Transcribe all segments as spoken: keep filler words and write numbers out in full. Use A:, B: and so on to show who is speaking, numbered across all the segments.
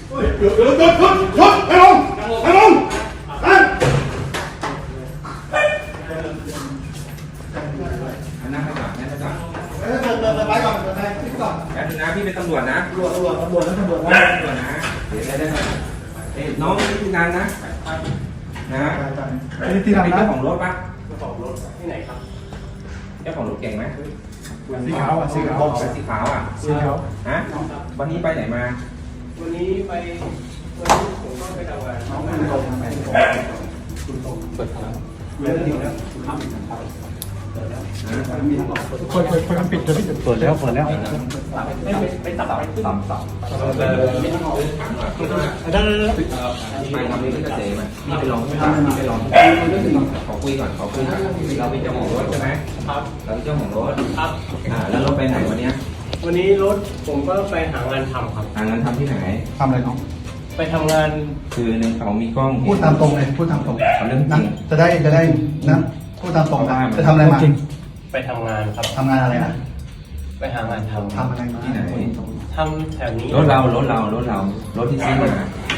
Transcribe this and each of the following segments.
A: หยุดหยุดหยุดหยุดหยุดให้ลงให้ลงนั่น
B: นั่งให้ก่อนนั่งให้ก่อน
A: เปิดเปิดเปิดไปก่อนเปิดไปพี่ก่อน
B: แป๊บนึงนะพี่เป็นตำรวจนะ
A: ตำรวจตำรวจตำรวจแล้วตำรวจนะ
B: ตำรวจนะเดี๋ยวได้ได้เอ้น้องนี่คืองานนะนะ
A: นี่ที่ทำนะ
B: เจ้าของรถปะ
C: เจ้าของรถที่ไหนครับ
B: เจ้าของรถเก่งไหม
A: สีขาวอ่ะสีขาว
B: สีขาวอ่ะ
A: สีขาว
B: ฮะวันนี้ไปไหนมา
C: วันนี้ไปวันนี้ผมก็ไปทำงานน้องมันตรงไปคุณตรงเปิดแล้วเปิดแล้วคุณทำอีกครับเปิดแล้วมีทั้งหมด
A: เปิดเปิดเปิดปิดจะปิดเปิดแล้วเปิดแล้ว
C: ไม่ไปตัดไปตัดตัดมีทั้งหมด
A: ได้ได้ได้
B: ไปทำเรื่องเกษตรมาพี่ไปลองพี่ไปลองขอคุยก่อนขอคุยก่อนเราเป็นเจ้าของรถใช่ไหม
C: ครับ
B: เราเป็นเจ้าของรถ
C: ครับ
B: อ่าแล้วรถไปไหนวันนี้
C: วันนี้รถผมก็ไปหางานทำครับ
B: หางานทำที่ไหน
A: ทำอะไรน้อง
C: ไปทำงาน
B: คือหนึ่งเขามีกล้อง
A: พูดตามตรงเลยพูดตามตรง
B: เรื่องจริง
A: จะได้จะได้นะพูดตามตรงนะจะทำอะไรมา
C: ไปทำงานครับ
A: ทำงานอะไรนะ
C: ไปหางานทำ
A: ทำอะไรมา
B: ที่ไหน
C: ทำแถวนี้
B: รถเรารถเรารถเรารถที่ซื้อมาร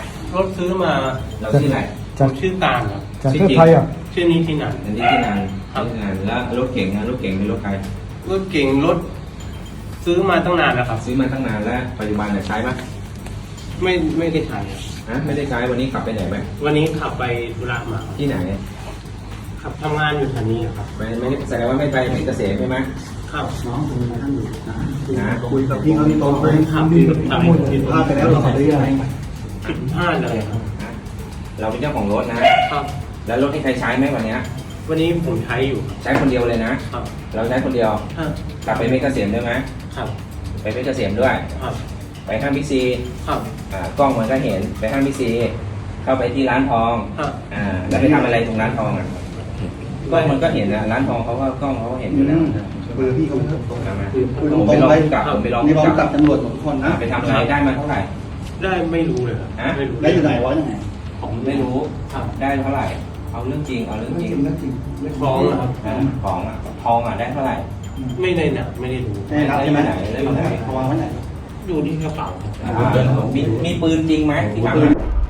C: ถซื้อมา
B: เราที่ไหน
C: จากชื่อการครับ
A: จากเพื่อไทยอ่ะ
C: ชื่อนี้ที่ไหน
B: อันนี้ที่นานที่นานแล้วรถเก่งนะรถเก่งเป็นรถใคร
C: รถเก่งรถซื้อมาตั้งนานแล้วครับ
B: ซื้อมาตั้งนานแล้วปัจจุบันเนี่ยใช้ไหม
C: ไม่ไม่ได้ใช้
B: ฮะไม่ได้ใช้วันนี้ขับไปไหนไหม
C: วันนี้ขับไปธุระมา
B: ที่ไหน
C: ขับทำงานอยู่แถวนี้ครับ
B: ไม่ไม่แสดงว่าไม่ไปเพชรเกษมใช่ไหม
C: ครับ
A: น้องคุยมาท่านอยู่
B: นะ
A: คุยกับพี่เขาที่โต๊ะคุยทำดีผิดพลาดไปแล้วเราทำได้ยังไง
C: ผิดพลาดเลยครับ
B: เราเป็นเจ้าของรถนะครับแล้วรถที่ใครใช้ไหมวันนี้
C: วันนี้ผมใช้อยู่
B: ใช้คนเดียวเลยนะครับเราใช้คนเดียวกลับไปเพชรเกษมด้วยไหม
C: ครับ
B: ไปเพชรเกษมด้วย
C: ครับ
B: ไปห้างบิ๊กซี
C: ครับ
B: อ่ากล้องมันก็เห็นไปห้างบิ๊กซีเข้าไปที่ร้านทองอ่าแล้วไปทำอะไรตรงร้านทองอ่ะกล้องมันก็เห็นนะร้านทองเขาก็กล้องเขาก็เห็นอยู่แล้ว
A: เบอร์พี่เขาไม่ตรง
B: นะมา
A: ผมไปลองกับผมไปลองกับตำรวจทุกคนนะ
B: ไปทำอะไรได้มาเท่าไหร่
C: ได้ไม่รู้เลยครับ
B: ไม่รู้
A: ได้อยู่ไหนวะยังไง
B: ผมไม่รู้ได้เท่าไหร่เอาเรื่องจริงเอาเรื่องจริง
A: เรื่องจริง
C: ทองครับ
B: ของอ่ะทองอ่ะได้เท่าไหร่
C: ไม่ได้เนี่ยไม่ได้รู้
A: ได้รับใช่ไหมได้รับไหนทองไว้ไหน
C: อยู่ที่กระเป๋า
B: มีมีปืนจริงไหมที่ทำ